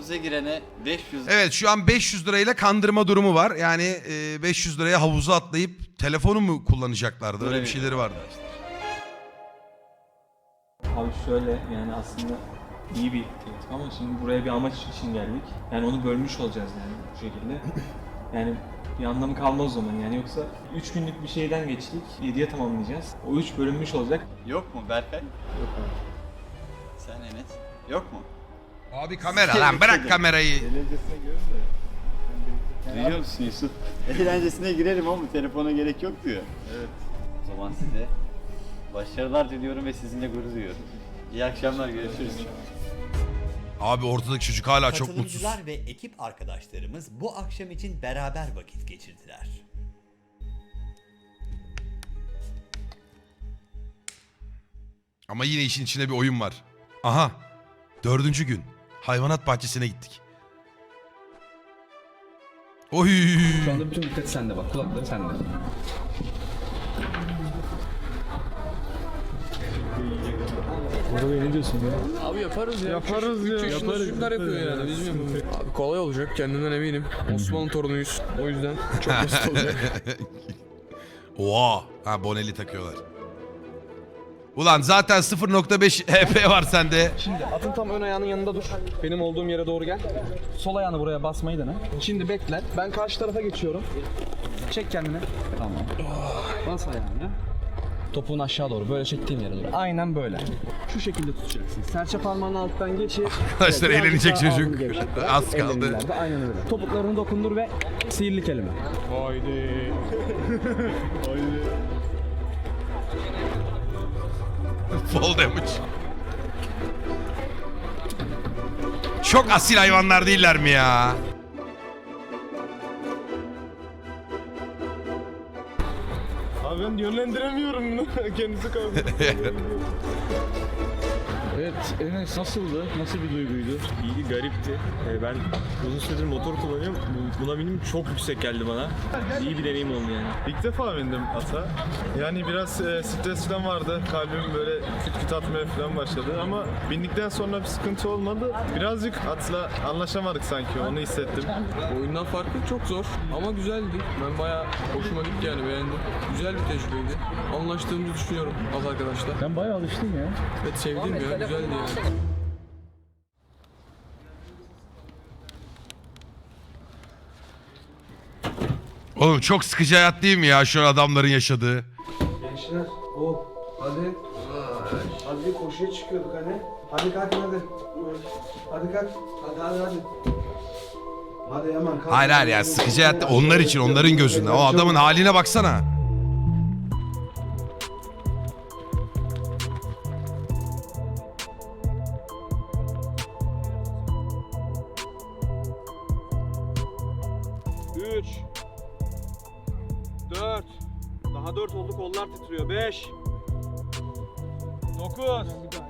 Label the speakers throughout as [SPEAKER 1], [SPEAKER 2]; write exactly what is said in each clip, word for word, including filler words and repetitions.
[SPEAKER 1] havuza girene beş yüz...
[SPEAKER 2] Evet şu an beş yüz lirayla kandırma durumu var. Yani e, beş yüz liraya havuza atlayıp telefonu mu kullanacaklardı? Öyle bir şeyleri vardı.
[SPEAKER 3] Abi şöyle yani aslında iyi bir teklif ama şimdi buraya bir amaç için geldik. Yani onu bölmüş olacağız yani bu şekilde. Yani bir anlamı kalmaz o zaman yani yoksa üç günlük bir şeyden geçtik, yediye tamamlayacağız. O üç bölünmüş olacak.
[SPEAKER 1] Yok mu Berkay?
[SPEAKER 3] Yok abi.
[SPEAKER 1] Sen Enes? Yok mu?
[SPEAKER 2] Abi kamera lan bırak kamerayı.
[SPEAKER 4] Eğlencesine görün de.
[SPEAKER 1] Duyuyor musun Yusuf? Eğlencesine girelim ama telefona gerek yok diyor.
[SPEAKER 4] Evet.
[SPEAKER 1] O zaman size başarılar diliyorum ve sizinle gurur duyuyorum. İyi akşamlar, görüşürüz.
[SPEAKER 2] Abi ortadaki çocuk hala çok mutsuz.
[SPEAKER 5] Katılımcılar ve ekip arkadaşlarımız bu akşam için beraber vakit geçirdiler.
[SPEAKER 2] Ama yine işin içinde bir oyun var. Aha. Dördüncü gün. Hayvanat bahçesine gittik. Oy.
[SPEAKER 6] Şu anda bütün dikkat sende bak. Kulakları sende.
[SPEAKER 4] Orada ne diyorsun ya?
[SPEAKER 7] Abi yaparız ya.
[SPEAKER 4] Yaparız ya.
[SPEAKER 7] üç yaşında
[SPEAKER 4] Yaparız,
[SPEAKER 7] çocuklar yapıyor
[SPEAKER 4] yaparız.
[SPEAKER 7] yani. Biz mi? Abi kolay olacak kendimden eminim. Osmanlı torunuyuz. O yüzden çok basit olacak.
[SPEAKER 2] Oha. Ha boneli takıyorlar. Ulan zaten sıfır nokta beş H P var sende.
[SPEAKER 6] Şimdi atın tam ön ayağının yanında dur. Benim olduğum yere doğru gel. Sol ayağını buraya basmayı dene. Şimdi bekle. Ben karşı tarafa geçiyorum. Çek kendini. Tamam. Bas ayağını. Topuğun aşağı doğru. Böyle çektiğim yere doğru. Aynen böyle. Şu şekilde tutacaksın. Serçe parmağını alttan geçir.
[SPEAKER 2] Arkadaşlar
[SPEAKER 6] Evet,
[SPEAKER 2] eğlenecek
[SPEAKER 6] birazcık daha
[SPEAKER 2] çocuk.
[SPEAKER 6] alnını gevşet biraz.
[SPEAKER 2] Az
[SPEAKER 6] Ellerini
[SPEAKER 2] kaldı.
[SPEAKER 6] ileride, aynen öyle. Topuklarını dokundur ve sihirli kelime.
[SPEAKER 4] Haydi. Haydi.
[SPEAKER 2] Fall damage. Çok asil hayvanlar değiller mi ya?
[SPEAKER 4] Abi ben yönlendiremiyorum bunu. Kendisi kaldı.
[SPEAKER 8] Evet, Enes nasıldı? Nasıl bir duyguydu? İyiydi, garipti. Ee, ben uzun süredir motor kullanıyorum. Bu- Buna binim çok yüksek geldi bana. İyi bir deneyim oldu yani.
[SPEAKER 4] İlk defa bindim ata. Yani biraz e, stres falan vardı. Kalbim böyle küt küt atmaya falan başladı ama bindikten sonra bir sıkıntı olmadı. Birazcık atla anlaşamadık sanki, onu hissettim.
[SPEAKER 7] Oyundan farkı çok zor ama güzeldi. Ben bayağı hoşuma gitti yani beğendim. Güzel bir tecrübeydi. Anlaştığımızı düşünüyorum az arkadaşlar.
[SPEAKER 8] Ben bayağı alıştım ya.
[SPEAKER 7] Evet sevdim ya güzeldi yani.
[SPEAKER 2] Oğlum çok sıkıcı hayat değil mi ya şu an adamların yaşadığı?
[SPEAKER 9] Gençler, o hadi. Hadi bir koşuya çıkıyorduk hani. Hadi kalkın hadi. Hadi kalk. Hadi hadi hadi. Hadi hemen kalk.
[SPEAKER 2] Hayır hayır ya sıkıcı hayat onlar için onların gözünde. O adamın haline baksana.
[SPEAKER 9] üç dört Daha dört oldu, kollar titriyor. beş dokuz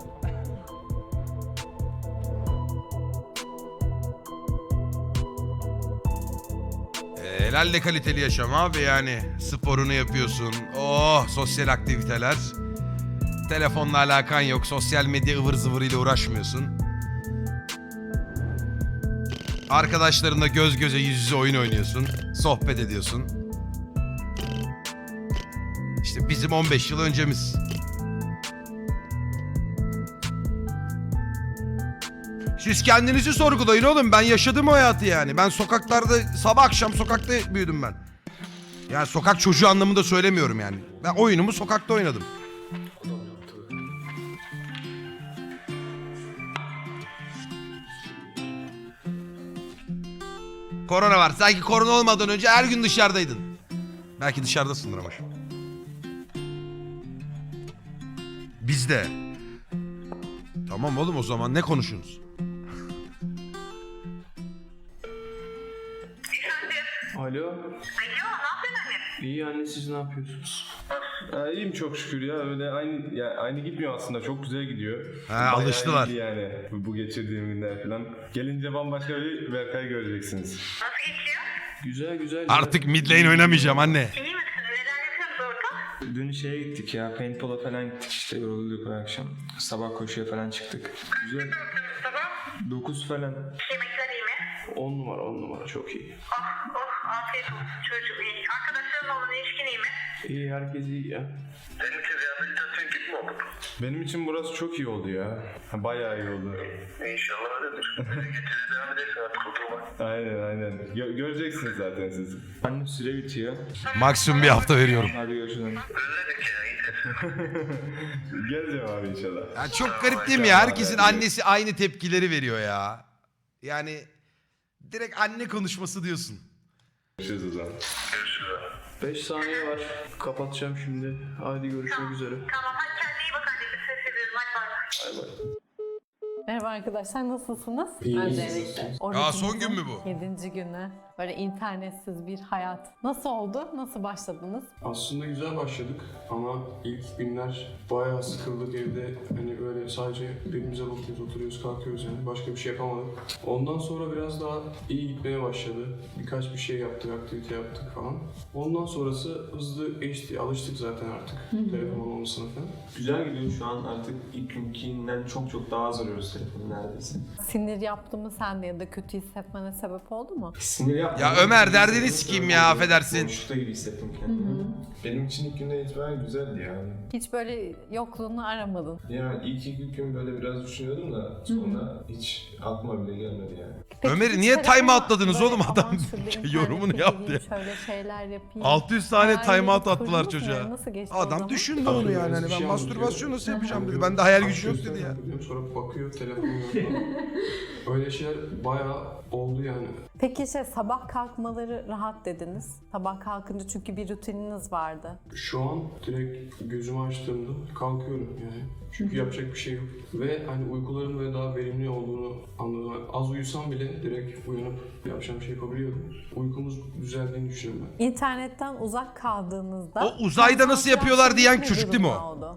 [SPEAKER 2] E, Helal kaliteli yaşam abi yani. Sporunu yapıyorsun. Oh sosyal aktiviteler. Telefonla alakan yok. Sosyal medya ıvır zıvırıyla uğraşmıyorsun. Arkadaşlarınla göz göze yüz yüze oyun oynuyorsun. Sohbet ediyorsun. İşte bizim on beş yıl öncemiz. Siz kendinizi sorgulayın oğlum. Ben yaşadım o hayatı yani. Ben sokaklarda sabah akşam sokakta büyüdüm ben. Yani sokak çocuğu anlamında söylemiyorum yani. Ben oyunumu sokakta oynadım. Korona var. Sanki korona olmadan önce her gün dışarıdaydın. Belki dışarıdasındır ama şu. Biz de. Tamam oğlum o zaman ne konuşuyorsunuz?
[SPEAKER 3] Alo. Alo, ne yapıyorsun anne? İyi anne, siz ne yapıyorsunuz?
[SPEAKER 4] Ee, iyiyim çok şükür ya. Öyle aynı ya aynı gitmiyor aslında. Çok güzel gidiyor.
[SPEAKER 2] Ha,
[SPEAKER 4] Bayağı
[SPEAKER 2] alıştılar.
[SPEAKER 4] iyiydi yani bu, bu geçirdiğim günler falan. Gelince bambaşka bir Berkay göreceksiniz.
[SPEAKER 3] Güzel güzel.
[SPEAKER 2] Artık mid lane oynamayacağım anne.
[SPEAKER 3] Dün şeye gittik ya, paintball'a falan gittik işte, yorulduk o akşam. Sabah koşuya falan çıktık. Güzel. dokuz falan.
[SPEAKER 10] Yemekleri
[SPEAKER 9] On numara on numara çok iyi.
[SPEAKER 10] Oh oh afiyet olsun çocuğum iyi. Arkadaşların olan ilişkin iyi mi?
[SPEAKER 9] İyi herkes iyi ya.
[SPEAKER 10] Senin için rehabilitasyon gibi mi oldu?
[SPEAKER 4] Benim için burası çok iyi oldu ya. Bayağı iyi oldu.
[SPEAKER 10] İnşallah öyledir. Böyle getirir devam edersin artık kurtulmak.
[SPEAKER 4] Aynen aynen. Gö- göreceksiniz zaten siz.
[SPEAKER 8] Annem süre bitiyor.
[SPEAKER 2] Maksimum bir hafta veriyorum.
[SPEAKER 8] Hadi görüşürüz.
[SPEAKER 10] Özledik ya iyidir.
[SPEAKER 4] Geleceğim abi inşallah.
[SPEAKER 2] Ya çok garip değil mi ya? Herkesin annesi aynı tepkileri veriyor ya. Yani direkt anne konuşması diyorsun.
[SPEAKER 4] Görüşürüz o zaman.
[SPEAKER 9] beş saniye var. Kapatacağım şimdi. Hadi görüşmek üzere.
[SPEAKER 10] Tamam hadi kendine iyi bak anneciğim. Ses ediyorum hadi bay bay.
[SPEAKER 11] Merhaba arkadaşlar, nasılsınız?
[SPEAKER 9] İyiyiz.
[SPEAKER 11] Öncelikle.
[SPEAKER 2] Aa, son gün mü bu?
[SPEAKER 11] Yedinci günü. Böyle internetsiz bir hayat. Nasıl oldu? Nasıl başladınız?
[SPEAKER 9] Aslında güzel başladık ama ilk günler bayağı sıkıldık evde. Hani böyle sadece birbirimize bakıyoruz, oturuyoruz, kalkıyoruz yani. Başka bir şey yapamadık. Ondan sonra biraz daha iyi gitmeye başladı. Birkaç bir şey yaptık, aktivite yaptık falan. Ondan sonrası hızlı geçti. Alıştık zaten artık telefon olmamasına falan.
[SPEAKER 7] Güzel gidiyor şu an artık ilk günkinden çok çok daha az arıyoruz telefonu neredeyse.
[SPEAKER 11] Sinir yaptı mı sende ya da kötü hissetmene sebep oldu mu?
[SPEAKER 7] Sinir yapma.
[SPEAKER 2] Ya Ömer, derdini sikeyim ya, affedersin.
[SPEAKER 7] Boşlukta gibi hissettim kendimi.
[SPEAKER 4] Benim için ilk günden itibaren güzeldi yani.
[SPEAKER 11] Hiç böyle yokluğunu aramadın.
[SPEAKER 4] Yani ilk iki gün böyle biraz düşünüyordum da sonra hiç aklıma bile gelmedi yani.
[SPEAKER 11] Peki
[SPEAKER 2] Ömer'i
[SPEAKER 11] hiç
[SPEAKER 2] niye
[SPEAKER 11] telefona
[SPEAKER 2] time outladınız
[SPEAKER 11] böyle,
[SPEAKER 2] oğlum? Adam
[SPEAKER 11] "Aman şurada
[SPEAKER 2] yorumunu
[SPEAKER 11] internete
[SPEAKER 2] yaptı
[SPEAKER 11] gireyim,
[SPEAKER 2] ya.
[SPEAKER 11] Şöyle şeyler yapayım.
[SPEAKER 2] altı yüz tane
[SPEAKER 11] Hayalini
[SPEAKER 2] time out
[SPEAKER 11] kurdunuz
[SPEAKER 2] attılar
[SPEAKER 11] mu
[SPEAKER 2] çocuğa.
[SPEAKER 11] yani? Nasıl geçti o
[SPEAKER 2] Adam
[SPEAKER 11] zaman?
[SPEAKER 2] düşündü onu yani. Hani ben mastürbasyon nasıl yapacağım dedi. Ben de hayal gücü yok dedi ya.
[SPEAKER 9] Sonra bakıyor telefonu yok. Öyle şeyler bayağı oldu yani.
[SPEAKER 11] Peki şey, sabah kalkmaları rahat dediniz. Sabah kalkınca çünkü bir rutininiz vardı.
[SPEAKER 9] Şu an direkt gözümü açtığımda kalkıyorum yani. Çünkü yapacak bir şey yok. Ve hani uykuların böyle daha verimli olduğunu anladım. Yani az uyusam bile direkt uyanıp yapacağım şey yapabiliyorum. Uykumuz düzeldiğini düşünüyorum ben.
[SPEAKER 11] İnternetten uzak kaldığınızda...
[SPEAKER 2] O uzayda nasıl yapıyorlar diyen
[SPEAKER 11] ne
[SPEAKER 2] çocuk değil mi o?
[SPEAKER 11] durumda oldu?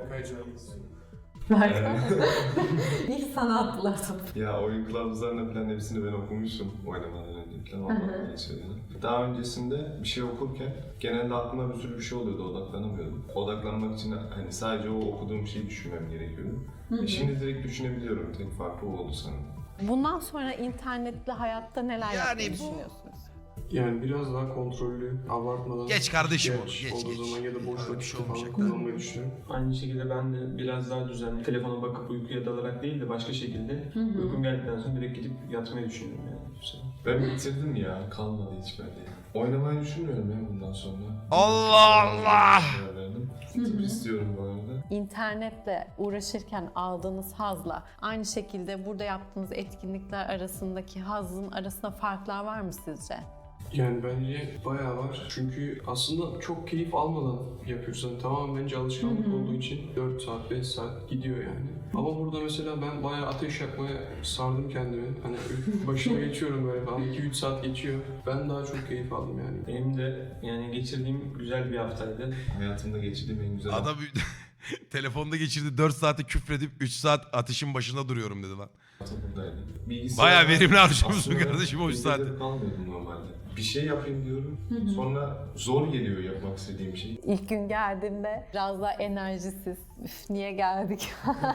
[SPEAKER 11] İlk sana attılar tabii.
[SPEAKER 4] Ya oyun kılavuzlarını falan hepsini ben okumuşum oynamadan önce falan ondan geçiyorum. Daha öncesinde bir şey okurken genelde aklıma bir sürü bir şey oluyordu, odaklanamıyordum. Odaklanmak için hani sadece o okuduğum şeyi düşünmem gerekiyordu. E şimdi direkt düşünebiliyorum, tek farkı o oldu sanırım.
[SPEAKER 11] Bundan sonra internetli hayatta neler
[SPEAKER 2] Yani
[SPEAKER 11] yapmayı
[SPEAKER 2] bu-
[SPEAKER 11] düşünüyorsunuz?
[SPEAKER 9] Yani biraz daha kontrollü, abartmadan...
[SPEAKER 2] Geç kardeşim
[SPEAKER 9] ihtiyaç
[SPEAKER 2] oğlum, geç,
[SPEAKER 9] olduğu
[SPEAKER 2] geç.
[SPEAKER 9] zaman ya da boş
[SPEAKER 2] Öyle bir
[SPEAKER 9] vakit
[SPEAKER 2] şey
[SPEAKER 9] falan
[SPEAKER 2] olmayacak.
[SPEAKER 9] kullanmayı düşünüyorum.
[SPEAKER 7] Aynı şekilde ben de biraz daha düzenli telefona bakıp uykuya dalarak değil de başka şekilde uykum geldikten sonra direkt gidip yatmayı düşünüyorum yani. bu sefer.
[SPEAKER 4] Ben bitirdim ya, kalmadı hiç bende. Oynamayı düşünmüyorum ya bundan sonra.
[SPEAKER 2] Allah Allah!
[SPEAKER 4] Tıp istiyorum bu arada.
[SPEAKER 11] İnternetle uğraşırken aldığınız hazla aynı şekilde burada yaptığınız etkinlikler arasındaki hazın arasında farklar var mı sizce?
[SPEAKER 9] Yani bence bayağı var. Çünkü aslında çok keyif almadan yapıyoruz. Yani tamamen bence alışkanlık olduğu için dört saat, beş saat gidiyor yani. Ama burada mesela ben bayağı ateş yakmaya sardım kendimi. Hani başına geçiyorum böyle falan. iki üç saat geçiyor. Ben daha çok keyif aldım yani.
[SPEAKER 7] Benim de yani geçirdiğim güzel bir haftaydı.
[SPEAKER 4] Hayatımda geçirdiğim en güzel
[SPEAKER 2] Adam telefonda geçirdi dört saate küfredip üç saat ateşin başında duruyorum dedi lan.
[SPEAKER 4] hayatım buradaydı. Bilgisayar-
[SPEAKER 2] Bayağı verimli harcamışsın
[SPEAKER 4] Aslında
[SPEAKER 2] kardeşim o üç
[SPEAKER 4] bilgisayar
[SPEAKER 2] saati.
[SPEAKER 4] kalmıyordum normalde. Bir şey yapayım diyorum. Sonra zor geliyor yapmak istediğim şey.
[SPEAKER 11] İlk gün geldiğinde biraz daha enerjisiz, üf niye geldik?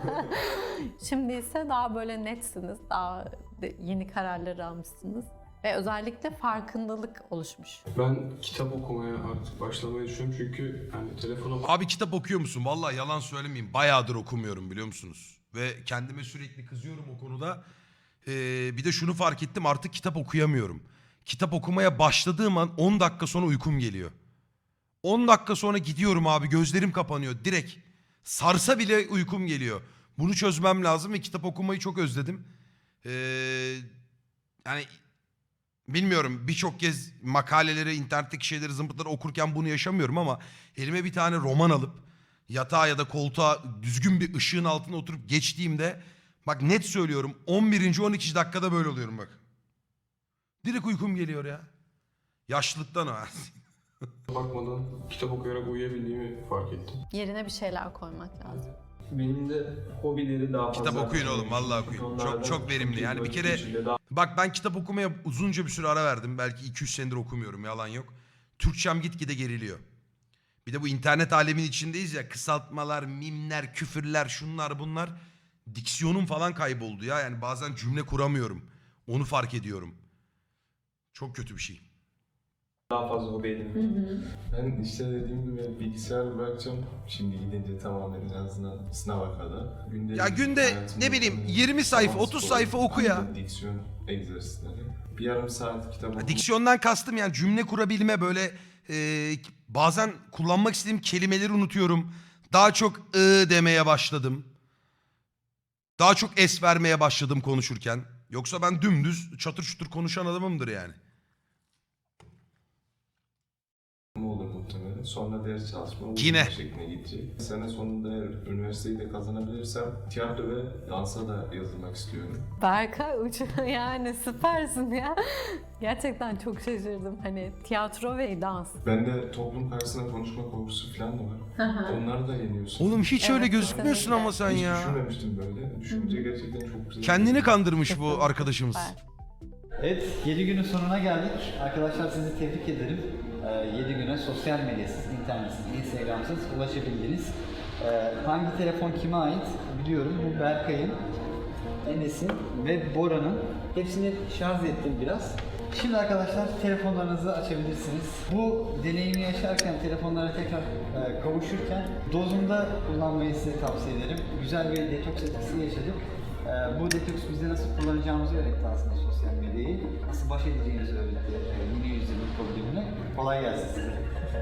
[SPEAKER 11] Şimdi ise daha böyle netsiniz, daha de- yeni kararlar almışsınız. Ve özellikle farkındalık oluşmuş.
[SPEAKER 9] Ben kitap okumaya artık başlamayı düşünüyorum çünkü hani telefona
[SPEAKER 2] Abi kitap okuyor musun? Vallahi yalan söylemeyeyim. Bayağıdır okumuyorum biliyor musunuz? Ve kendime sürekli kızıyorum o konuda. Ee, bir de şunu fark ettim, artık kitap okuyamıyorum. Kitap okumaya başladığım an on dakika sonra uykum geliyor. on dakika sonra gidiyorum abi, gözlerim kapanıyor direkt. Sarsa bile uykum geliyor. Bunu çözmem lazım ve kitap okumayı çok özledim. Ee, yani bilmiyorum, birçok kez makaleleri, internetteki şeyleri, zımpıtları okurken bunu yaşamıyorum ama elime bir tane roman alıp yatağa ya da koltuğa düzgün bir ışığın altına oturup geçtiğimde, bak net söylüyorum, on birinci on ikinci dakikada böyle oluyorum bak. Direkt uykum geliyor ya. Yaşlılıktan o.
[SPEAKER 9] bakmadan kitap okuyarak uyuyabildiğimi fark ettim.
[SPEAKER 11] Yerine bir şeyler koymak lazım.
[SPEAKER 7] Benim de hobileri daha fazla...
[SPEAKER 2] Kitap okuyun oğlum, vallahi okuyun. Çok çok verimli. Yani bir kere bak, ben kitap okumaya uzunca bir süre ara verdim. Belki iki üç senedir okumuyorum, yalan yok. Türkçem gitgide geriliyor. Bir de bu internet alemin içindeyiz ya, kısaltmalar, mimler, küfürler, şunlar bunlar. Diksiyonum falan kayboldu ya. Yani bazen cümle kuramıyorum. Onu fark ediyorum. Çok kötü bir şey.
[SPEAKER 3] Daha fazla hobi edinmek.
[SPEAKER 4] Ben işte dediğim gibi bilgisayar bırakacağım. Şimdi gidince tamamen en azından sınava kadar. Günde
[SPEAKER 2] Ya günde ne bileyim yirmi sayfa otuz sayfa oku ya.
[SPEAKER 4] Diksiyon egzersizleri. Bir yarım saat kitap
[SPEAKER 2] Ya diksiyondan kastım yani cümle kurabilme böyle e, bazen kullanmak istediğim kelimeleri unutuyorum. Daha çok ı demeye başladım. Daha çok es vermeye başladım konuşurken. Yoksa ben dümdüz çatır çutur konuşan adamımdır yani.
[SPEAKER 4] olur muhtemelen. Sonra ders çalışma
[SPEAKER 2] Yine.
[SPEAKER 4] uzun şekline gidecek. Sene sonunda eğer üniversiteyi de kazanabilirsem tiyatro ve dansa da yazılmak istiyorum.
[SPEAKER 11] Berkay uç yani süpersin ya. Gerçekten çok şaşırdım. Hani tiyatro ve dans.
[SPEAKER 4] Bende toplum karşısında konuşma korkusu falan da var. Onları da yeniyorsun.
[SPEAKER 2] Oğlum hiç öyle
[SPEAKER 11] Evet,
[SPEAKER 2] gözükmüyorsun
[SPEAKER 11] kesinlikle.
[SPEAKER 2] ama sen
[SPEAKER 4] Hiç
[SPEAKER 2] ya.
[SPEAKER 4] düşünmemiştim böyle. Düşünce gerçekten çok güzel.
[SPEAKER 2] Kendini kandırmış bu arkadaşımız.
[SPEAKER 11] Süper.
[SPEAKER 1] Evet, yedi günün sonuna geldik. Arkadaşlar sizi tebrik ederim. yedi güne sosyal medyasız, internetsiz, instagramsız ulaşabildiniz. Ee, hangi telefon kime ait biliyorum. Bu Berkay'ın, Enes'in ve Bora'nın. Hepsini şarj ettim biraz. Şimdi arkadaşlar telefonlarınızı açabilirsiniz. Bu deneyimi yaşarken, telefonlara tekrar e, kavuşurken dozunda kullanmayı size tavsiye ederim. Güzel bir detoks etkisi yaşadık. Ee, bu detoks bize nasıl kullanacağımızı öğretti aslında sosyal medyayı. Nasıl baş edeceğimizi öğretti. Ee, yeni yüzyılın problemine. Kolay gelsin size.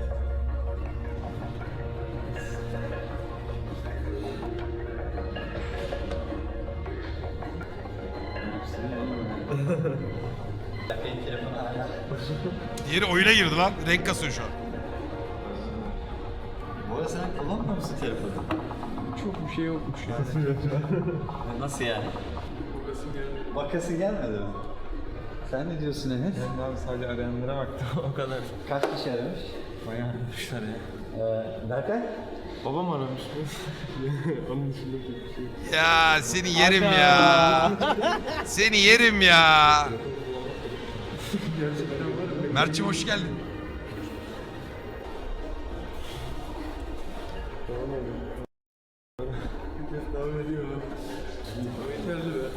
[SPEAKER 1] Benim telefonu hala.
[SPEAKER 2] Diğeri oyuna girdi lan. Renk kasıyor şu an.
[SPEAKER 1] Bu arada sen kullanmıyor musun telefonu?
[SPEAKER 7] Çok bir şey yokmuş ya.
[SPEAKER 1] Nasıl yani? Bakası gelmedi mi? Sen ne diyorsun Enes?
[SPEAKER 3] Ben abi sadece arayanlara baktım o kadar.
[SPEAKER 1] Kaç kişi aramış?
[SPEAKER 3] Bayağı aramışlar ya.
[SPEAKER 1] Ee, Berkay?
[SPEAKER 9] Babam aramış. Onun dışında bir şey yok.
[SPEAKER 2] Ya seni yerim ya. Seni yerim ya. Mert'cim hoş geldin.
[SPEAKER 9] Devam ediyor. Yeterli be.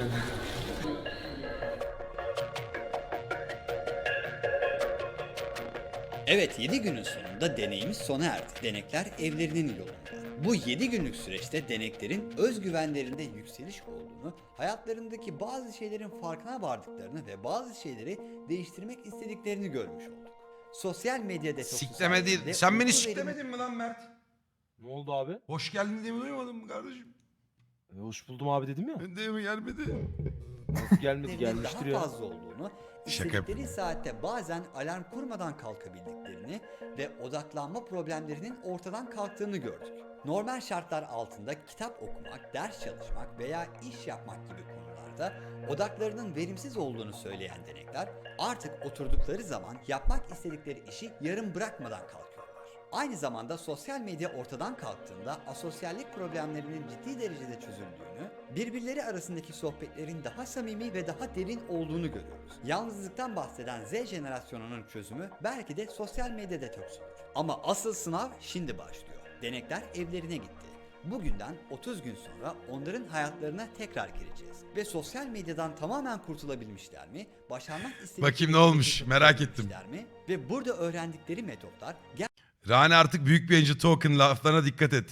[SPEAKER 5] Evet, yedi günün sonunda deneyimiz sona erdi. Denekler evlerinin yolunda. Bu yedi günlük süreçte deneklerin özgüvenlerinde yükseliş olduğunu, hayatlarındaki bazı şeylerin farkına vardıklarını ve bazı şeyleri değiştirmek istediklerini görmüş olduk. Sosyal medya detoksu
[SPEAKER 2] Sikleme değil.
[SPEAKER 5] sayesinde
[SPEAKER 2] Sen beni
[SPEAKER 5] uyku
[SPEAKER 2] siklemedin mi lan Mert?
[SPEAKER 7] Ne oldu abi?
[SPEAKER 2] Hoş geldin diye mi duymadın mı kardeşim?
[SPEAKER 7] E, hoş buldum abi dedim ya.
[SPEAKER 2] Ben de mi gelmedi?
[SPEAKER 7] Nasıl gelmedi
[SPEAKER 5] veriminin
[SPEAKER 7] gelmiştir
[SPEAKER 5] daha
[SPEAKER 7] ya.
[SPEAKER 5] fazla olduğunu,
[SPEAKER 2] Şaka
[SPEAKER 5] istedikleri saatte bazen alarm kurmadan kalkabildiklerini ve odaklanma problemlerinin ortadan kalktığını gördük. Normal şartlar altında kitap okumak, ders çalışmak veya iş yapmak gibi konularda odaklarının verimsiz olduğunu söyleyen denekler artık oturdukları zaman yapmak istedikleri işi yarım bırakmadan kalkıyorlar. Aynı zamanda sosyal medya ortadan kalktığında asosyallik problemlerinin ciddi derecede çözüldüğünü, birbirleri arasındaki sohbetlerin daha samimi ve daha derin olduğunu görüyoruz. Yalnızlıktan bahseden Z jenerasyonunun çözümü belki de sosyal medya detoksudur. Ama asıl sınav şimdi başlıyor. Denekler evlerine gitti. Bugünden otuz gün sonra onların hayatlarına tekrar gireceğiz. Ve sosyal medyadan tamamen kurtulabilmişler mi? Başarmak istedikleri
[SPEAKER 2] Bakayım ne olmuş,
[SPEAKER 5] hedefi
[SPEAKER 2] merak ettim.
[SPEAKER 5] tutabilmişler mi? Ve burada öğrendikleri metotlar
[SPEAKER 2] Rani artık büyük bir yayıncı token laflarına dikkat et.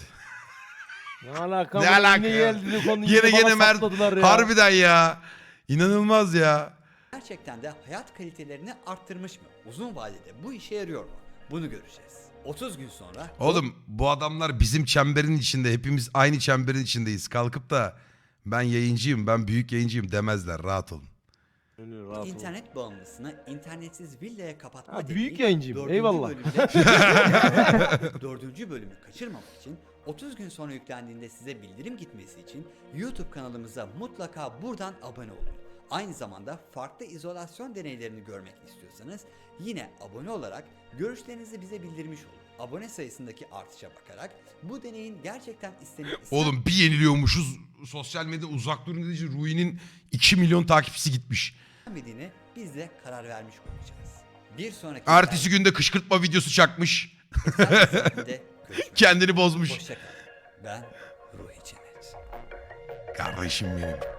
[SPEAKER 7] Ne alaka?
[SPEAKER 2] Ne alaka ya? Yine gene Mert harbiden ya. İnanılmaz ya.
[SPEAKER 5] gerçekten de hayat kalitelerini arttırmış mı? Uzun vadede bu işe yarıyor mu? Bunu göreceğiz. otuz gün sonra
[SPEAKER 2] Oğlum bu adamlar bizim çemberin içinde. Hepimiz aynı çemberin içindeyiz. Kalkıp da ben yayıncıyım, ben büyük yayıncıyım demezler. Rahat olun.
[SPEAKER 5] internet bağımlısını internetsiz villaya kapatma
[SPEAKER 7] Ha,
[SPEAKER 5] dediği
[SPEAKER 7] büyük yayıncıyım.
[SPEAKER 5] dördüncü
[SPEAKER 7] Eyvallah.
[SPEAKER 5] bölümde- dördüncü bölümü kaçırmamak için otuz gün sonra yüklendiğinde size bildirim gitmesi için YouTube kanalımıza mutlaka buradan abone olun. Aynı zamanda farklı izolasyon deneylerini görmek istiyorsanız yine abone olarak görüşlerinizi bize bildirmiş olun. Abone sayısındaki artışa bakarak bu deneyin gerçekten istenilen
[SPEAKER 2] Oğlum bir yeniliyormuşuz. Sosyal medya uzak durun dediği için Rui'nin iki milyon takipçisi gitmiş.
[SPEAKER 5] istenmediğini biz de karar vermiş olacağız. Bir sonraki
[SPEAKER 2] Ertesi günde kışkırtma videosu çakmış.
[SPEAKER 5] görüşmek
[SPEAKER 2] Kendini bozmuş.
[SPEAKER 5] Hoşçakalın. Ben Ruhi Çenet.
[SPEAKER 2] Kardeşim benim.